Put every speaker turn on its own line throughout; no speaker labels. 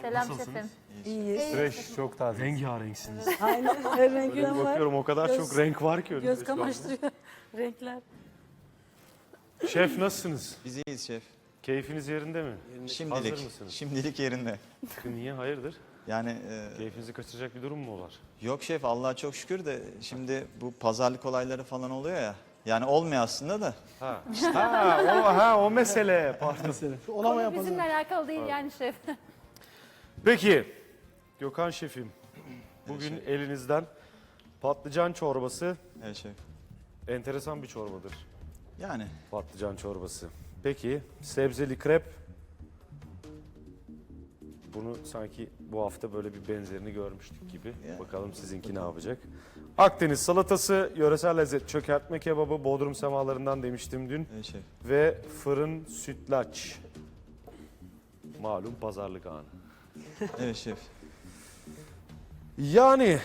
Selam
Nasılsınız?
şefim.
İyiyiz.
Fresh, çok taze. Rengarenksiniz.
Aynen. Her
Böyle
renkten
bir
var.
bakıyorum o kadar
Göz-
çok renk var ki önümde
Göz
şu anda.
kamaştırıyor renkler.
Şef nasılsınız?
Biz iyiyiz şef.
Keyfiniz yerinde mi?
Şimdilik.
Hazır mısınız?
Şimdilik yerinde.
Niye? Hayırdır?
Yani
Keyfinizi kaçıracak bir durum mu var?
yok şef Allah'a çok şükür de şimdi bu pazarlık olayları falan oluyor ya. Yani olmuyor aslında da.
O mesele. Pardon.
Konu bizimle alakalı değil yani şef.
Peki, Gökhan şefim. Bugün elinizden patlıcan çorbası,
Evet şef.
enteresan bir çorbadır.
Yani
Patlıcan çorbası. Peki, sebzeli krep. Bunu sanki bu hafta böyle bir benzerini görmüştük gibi.
Ya.
Bakalım sizinki ne yapacak. Akdeniz salatası, yöresel lezzet çökertme kebabı, Bodrum semalarından demiştim dün.
evet şef.
Ve fırın sütlaç. Malum pazarlık anı.
Evet şef.
Yani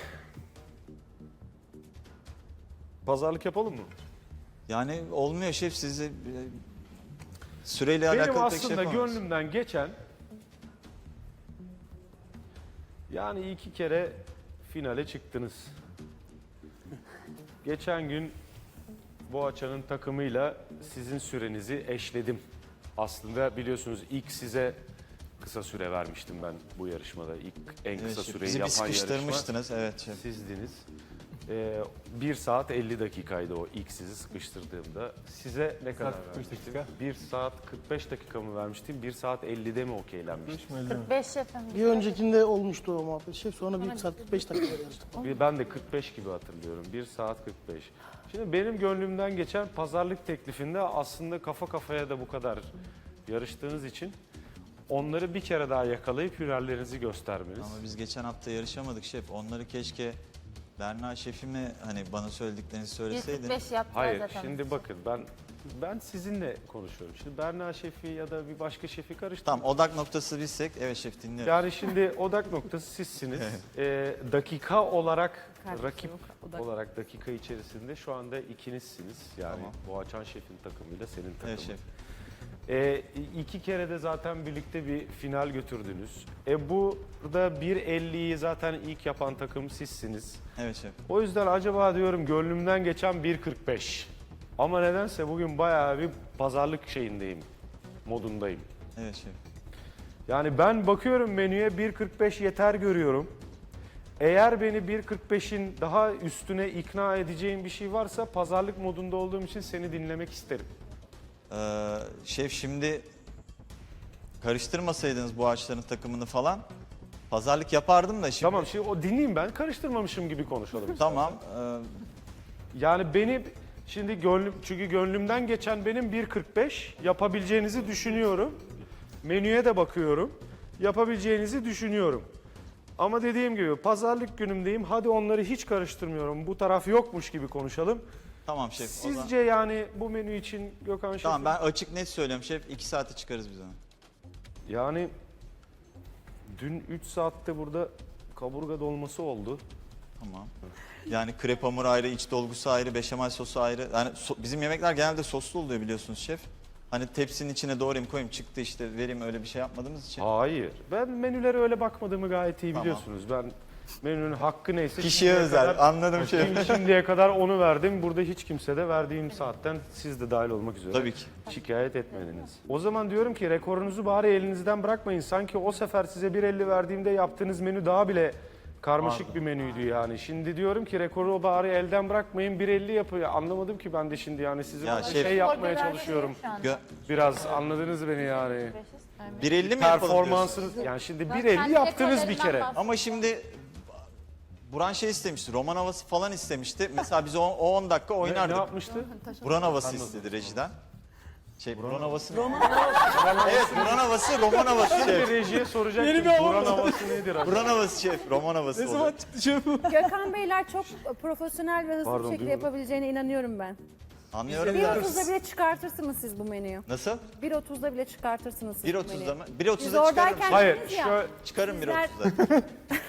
pazarlık yapalım mı?
Yani olmuyor şef size süreyle
Benim
alakalı pek şey
aslında
yapamayız.
gönlümden geçen yani 2 kere finale çıktınız. Geçen gün Boğaçan'ın takımıyla sizin sürenizi eşledim. Aslında biliyorsunuz ilk size kısa süre vermiştim ben bu yarışmada. İlk en
Evet
kısa
şef.
süreyi
Bizi bir
yapan yarışma
sıkıştırmıştınız evet şef.
sizdiniz. 1 saat 50 dakikaydı o ilk sizi sıkıştırdığımda. Size ne kadar vermiştim? 1 saat 45 dakika mı vermiştim? 1 saat 50'de mi okeylenmiştim?
5 şefim.
Bir öncekinde olmuştu o muhabbet şef. Sonra 1 saat 45 dakika yarıştık.
Ben de 45 gibi hatırlıyorum. 1 saat 45. Şimdi benim gönlümden geçen pazarlık teklifinde aslında kafa kafaya da bu kadar yarıştığınız için onları bir kere daha yakalayıp hünerlerinizi göstermeniz.
Ama biz geçen hafta yarışamadık şef. Onları keşke Berna şefime hani bana söylediklerinizi söyleseydin.
145 yaptılar
Hayır,
zaten.
şimdi bakın ben sizinle konuşuyorum. Şimdi Berna şefi ya da bir başka şefi karıştırmayın.
Tamam odak noktası bizsek evet şef dinliyorum.
Yani şimdi odak noktası sizsiniz. Dakika olarak,
Kardeşim,
rakip
odak.
olarak dakika içerisinde şu anda ikinizsiniz. Yani
Tamam.
Boğaçan şefin takımıyla senin takımın.
Evet şef.
2 kere de zaten birlikte bir final götürdünüz. Burada 1.50'yi zaten ilk yapan takım sizsiniz.
Evet şef.
O yüzden acaba diyorum gönlümden geçen 1.45. Ama nedense bugün bayağı bir pazarlık şeyindeyim, modundayım.
Evet şef.
Yani ben bakıyorum menüye 1.45 yeter görüyorum. Eğer beni 1.45'in daha üstüne ikna edeceğin bir şey varsa pazarlık modunda olduğum için seni dinlemek isterim.
Şef şimdi karıştırmasaydınız bu ağaçların takımını falan pazarlık yapardım da şimdi.
Tamam şimdi o dinleyeyim ben karıştırmamışım gibi konuşalım.
Tamam.
Yani beni şimdi çünkü gönlümden geçen benim 1.45 yapabileceğinizi düşünüyorum. Menüye de bakıyorum. Yapabileceğinizi düşünüyorum. Ama dediğim gibi pazarlık günümdeyim. Hadi onları hiç karıştırmıyorum. Bu taraf yokmuş gibi konuşalım.
Tamam şef. O zaman-
Sizce yani bu menü için Gökhan Şef'in...
Tamam ben açık net söylüyorum şef 2 saate çıkarız biz onu.
Yani dün 3 saatte burada kaburga dolması oldu.
Tamam. Yani krep hamuru ayrı, iç dolgusu ayrı, beşamel sosu ayrı. Yani bizim yemekler genelde soslu oluyor biliyorsunuz şef. Hani tepsinin içine doğrayayım koyayım çıktı işte vereyim öyle bir şey yapmadığımız için.
Hayır. Ben menülere öyle bakmadığımı gayet iyi
Tamam.
biliyorsunuz. Ben menünün hakkı neyse...
Kişiye
şimdiye
özel
kadar-
anladım şef.
Şimdiye kadar onu verdim. Burada hiç kimse de verdiğim saatten siz de dahil olmak üzere
Tabii ki.
şikayet etmediniz. O zaman diyorum ki rekorunuzu bari elinizden bırakmayın. Sanki o sefer size 1.50 verdiğimde yaptığınız menü daha bile karmaşık bir menüydü yani. Şimdi diyorum ki rekoru bari elden bırakmayın 1.50 yapıyor. Anlamadım ki ben de şimdi yani sizi
Ya
bana
şef-
şey yapmaya
Orada
çalışıyorum.
şu anda.
Biraz anladınız beni yani.
1.50 mi yapalım diyorsun?
Performansınız yani şimdi
Ben
1.50
kendi
yaptınız bir
rekorlarımdan
kere.
bahsediyorum.
Ama şimdi Buran şey istemişti, roman havası falan istemişti. Mesela biz o 10 dakika
Ne
oynardık.
yapmıştı?
Buran havası istedi rejiden. Buran havası. Evet, Buran havası, roman havası
Şimdi
şef.
rejiye soracaktım.
Yeni bir hava
Buran havası nedir? acaba?
Buran havası şef, roman havası
Ne
olur.
zaman çıktı şef bu?
Gökhan Beyler çok profesyonel ve hızlı
Pardon,
bir şekilde
duymadım.
yapabileceğine inanıyorum ben.
Anlıyorum.
1.30'da bile çıkartırsınız siz bu menüyü.
Nasıl?
1.30'da bile çıkartırsınız siz bu
1.30'da
menüyü.
mı?
Biz
1.30'da çıkarım.
oradayken
Hayır,
dediniz ya,
şöyle
Çıkarım
Sizler-
1.30'da.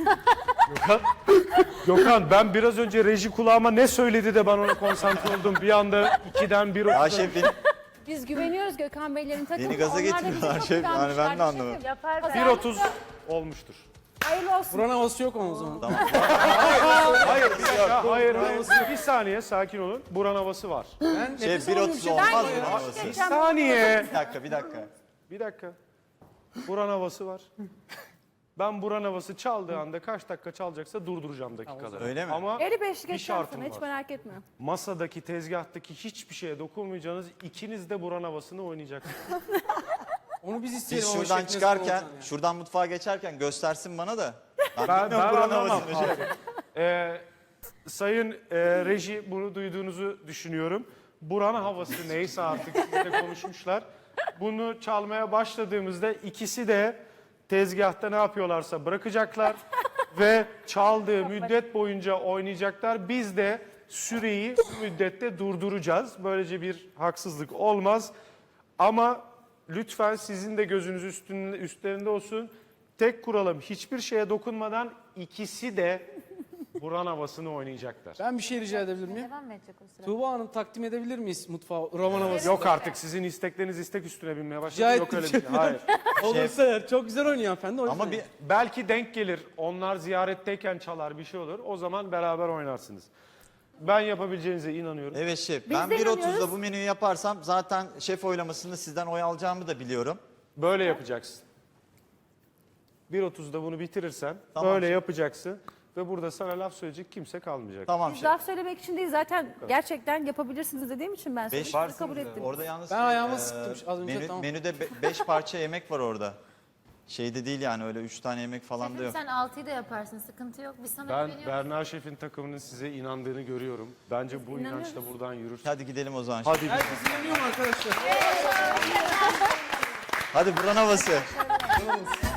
Gökhan ben biraz önce reji kulağıma ne söyledi de ben ona konsantre oldum. Bir anda 2'den 1.30'a.
Ya şef
Biz güveniyoruz Gökhan Beylerin takımına.
Beni gaza
Onlar da bize
getiriyorlar
çok
şef. Yani ben de
güvenmişler
anlamadım.
şefim.
Yapar be.
1.30 olmuştur.
Hayırlı olsun.
Buranın havası yok ama o zaman.
Hayır, bir dakika. Hayır. Bir saniye sakin olun. Buran havası var.
Ben
Şef
nefes
1.30
alamıyorum.
olmaz mı
Ben-
havası?
Bir saniye.
Bir dakika.
Bir dakika. Buran havası var. Ben buran havası çaldığı anda kaç dakika çalacaksa durduracağım dakikaları.
Öyle mi?
Ama
55
bir
geçeceğim
şartım
sana hiç
var.
merak etme.
Masadaki, tezgahtaki hiçbir şeye dokunmayacağınız, ikiniz de buran havasını oynayacaksınız.
Onu biz isteyelim.
Biz
ama
şuradan
şef ne
çıkarken,
zaman olacak
şuradan mutfağa geçerken göstersin bana da. Ben
Ben
bilmiyorum buranın
anlamam.
havasını. Şef.
Sayın reji bunu duyduğunuzu düşünüyorum. Buran havası neyse artık sizle konuşmuşlar. Bunu çalmaya başladığımızda ikisi de tezgahta ne yapıyorlarsa bırakacaklar ve çaldığı müddet boyunca oynayacaklar. Biz de süreyi bu müddette durduracağız. Böylece bir haksızlık olmaz. Ama lütfen sizin de gözünüz üstlerinde olsun. Tek kuralım hiçbir şeye dokunmadan ikisi de buran havasını oynayacaklar.
Ben bir şey rica edebilir miyim?
Devam mı edecek o sırada?
Tuğba Hanım takdim edebilir miyiz mutfağı? Roman havası.
Yok artık sizin istekleriniz istek üstüne binmeye başladı.
Rica
Yok öyle bir şey.
ettim.
Hayır.
Olursa eğer çok güzel oynuyor hanımefendi. o
Ama
yüzden.
bir
Belki denk gelir. Onlar ziyaretteyken çalar bir şey olur. O zaman beraber oynarsınız. Ben yapabileceğinize inanıyorum.
evet şef.
Biz
Ben
de
1.30'da
inanıyoruz.
bu menüyü yaparsam zaten şef oylamasında sizden oy alacağımı da biliyorum.
Böyle yapacaksın. 1.30'da bunu bitirirsen
Tamam.
böyle yapacaksın. Ve burada sana laf söyleyecek kimse kalmayacak.
Tamam
Biz
şef.
laf söylemek için değil zaten gerçekten yapabilirsiniz dediğim için ben
Beş
sizi kabul ettim.
Orada yalnız
Ben ayağımı sıktım az önce,
menü,
tamam.
menüde 5 parça yemek var orada. Şeyde değil yani öyle 3 tane yemek falan da
Şefim
yok.
sen 6'yı da yaparsın. Sıkıntı yok. Biz sana
Ben
güveniyoruz.
Berna Şef'in takımının size inandığını görüyorum. Bence bu inançla buradan yürür.
Hadi gidelim o zaman.
Hadi
Herkes inanıyor mu arkadaşlar?
Hadi buranın havası.